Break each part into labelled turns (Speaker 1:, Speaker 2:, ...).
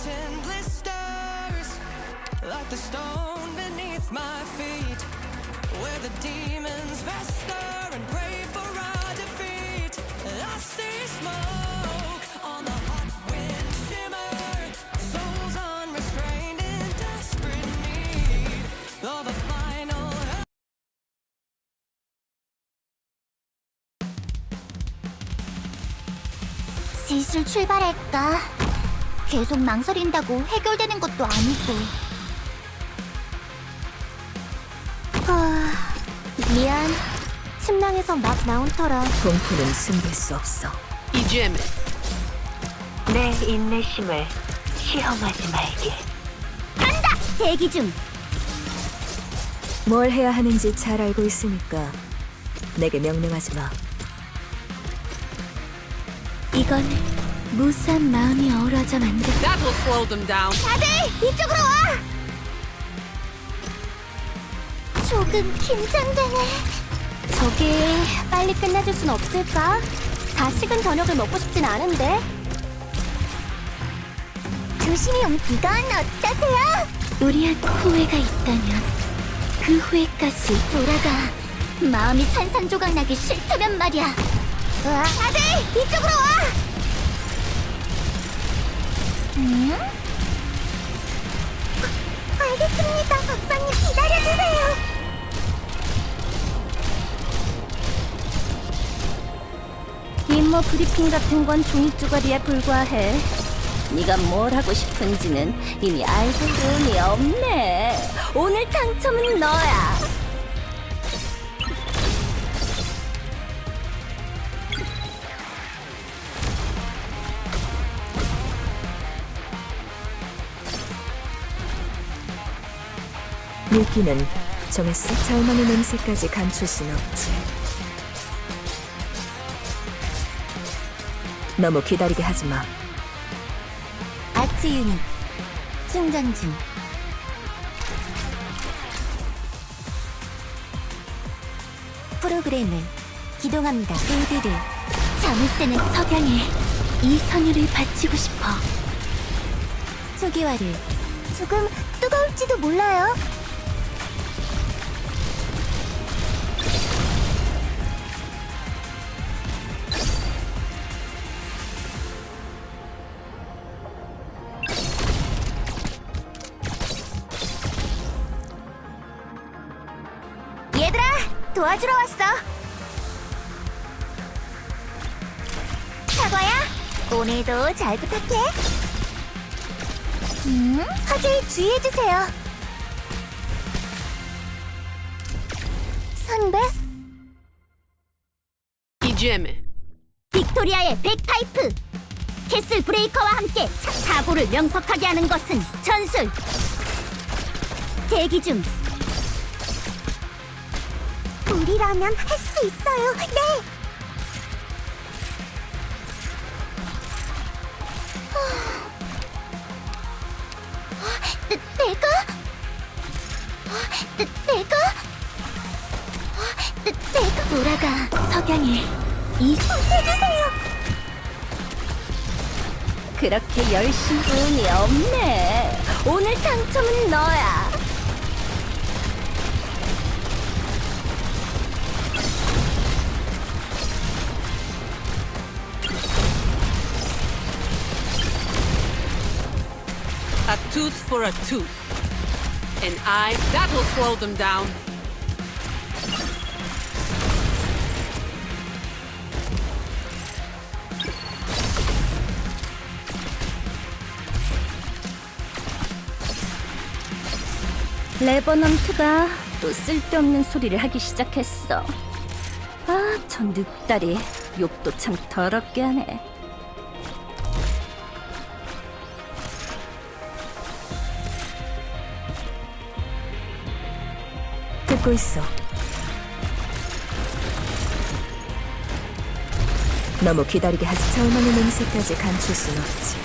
Speaker 1: melting blisters, like the stone beneath my feet, where the demons fester and pray for our defeat. I see smoke on the hot wind shimmer, souls unrestrained in desperate need of a final.
Speaker 2: 슬슬 출발할까? 계속 망설인다고 해결되는 것도 아니고. 미안. 침낭에서 막 나온 터라.
Speaker 3: 공포는 숨길 수 없어.
Speaker 4: 이제는
Speaker 5: 내 인내심을 시험하지 말게.
Speaker 2: 간다! 대기 중!
Speaker 3: 뭘 해야 하는지 잘 알고 있으니까 내게 명령하지 마.
Speaker 2: 이건 무수한 마음이 어우러져 만든.
Speaker 4: that will slow them down.
Speaker 2: 다들 이쪽으로 와! 조금 긴장되네. 저기 빨리 끝내줄 순 없을까? 다 식은 저녁을 먹고 싶진 않은데. 조심히 이건 어떠세요? 우리한테 후회가 있다면 그 후회까지 돌아가. 마음이 산산조각 나기 싫다면 말이야. 다들 이쪽으로 와! 응? 알겠습니다. 박사님 기다려주세요. 임무 브리핑 같은 건 종이 쪼가리에 불과해. 네가 뭘 하고 싶은지는 이미 알고 보니 없네. 오늘 당첨은 너야.
Speaker 3: 미끼는 정했어. 절망의 냄새까지 감출 순 없지. 너무 기다리게 하지 마.
Speaker 2: 아트 유닛 충전 중. 프로그램을 기동합니다. 빌드를 자물쇠는 석양에 이 선율을 바치고 싶어. 초기화를 조금 뜨거울지도 몰라요. 얘들아, 도와주러 왔어. 사과야, 오늘도 잘 부탁해. 화재에 주의해주세요. 선배?
Speaker 4: 이제는
Speaker 2: 빅토리아의 백파이프! 캐슬 브레이커와 함께 사고를 명석하게 하는 것은 전술! 대기 중! 우리라면 할 수 있어요! 네! 내가? 내가 돌아가. 석양에 이 손해주세요. 그렇게 열심히 운이 없네. 오늘 당첨은 너야.
Speaker 4: a tooth for a tooth. An eye that will slow them down.
Speaker 2: 레버넌트가 또 쓸데없는 소리를 하기 시작했어. 아, 저 늑다리 욕도 참 더럽게 하네.
Speaker 3: 듣고 있어. 너무 기다리게 하지. 절망의 냄새까지 감출 순 없지.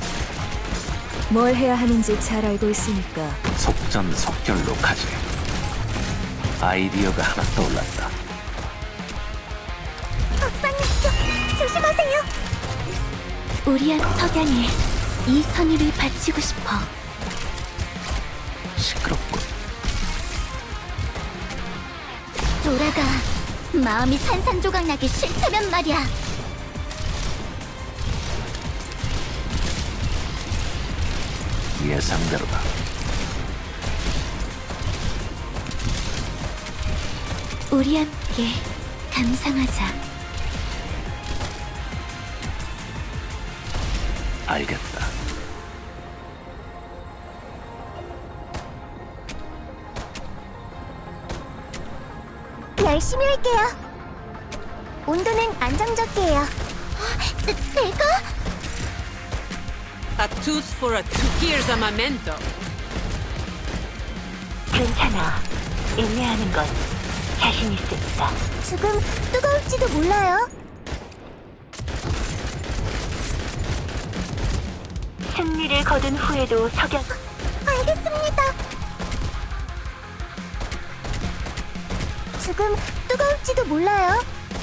Speaker 3: 뭘 해야 하는지 잘 알고 있으니까.
Speaker 6: 속전속결로 가지. 아이디어가 하나 떠올랐다.
Speaker 2: 박사님, 조심하세요. 우리한 석양에 이 선의를 바치고 싶어.
Speaker 6: 시끄럽군.
Speaker 2: 돌아가. 마음이 산산조각 나기 싫다면 말이야.
Speaker 6: 예상대로다.
Speaker 2: 우리 함께 감상하자.
Speaker 6: 알겠다.
Speaker 2: 열심히 할게요. 온도는 안정적이에요. 내가?
Speaker 4: A tooth for a tooth. Here's a memento.
Speaker 5: 괜찮아. 인내하는 건 자신 있으니까.
Speaker 2: 조금 뜨거울지도 몰라요.
Speaker 5: 승리를 거둔 후에도 석양.
Speaker 2: 알겠습니다. 조금 뜨거울지도 몰라요.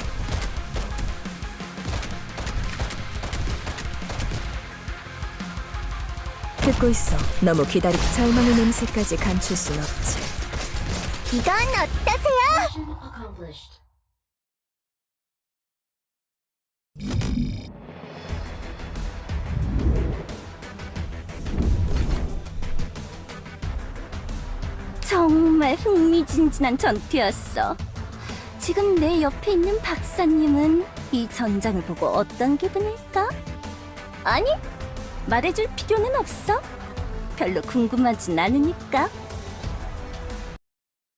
Speaker 3: 듣고 있어. 너무 기다리. 절망의 냄새까지 감출 순 없지.
Speaker 2: 이건 어떠세요? 정말 흥미진진한 전투였어. 지금 내 옆에 있는 박사님은 이 전장을 보고 어떤 기분일까? 아니, 말해줄 필요는 없어. 별로 궁금하진 않으니까.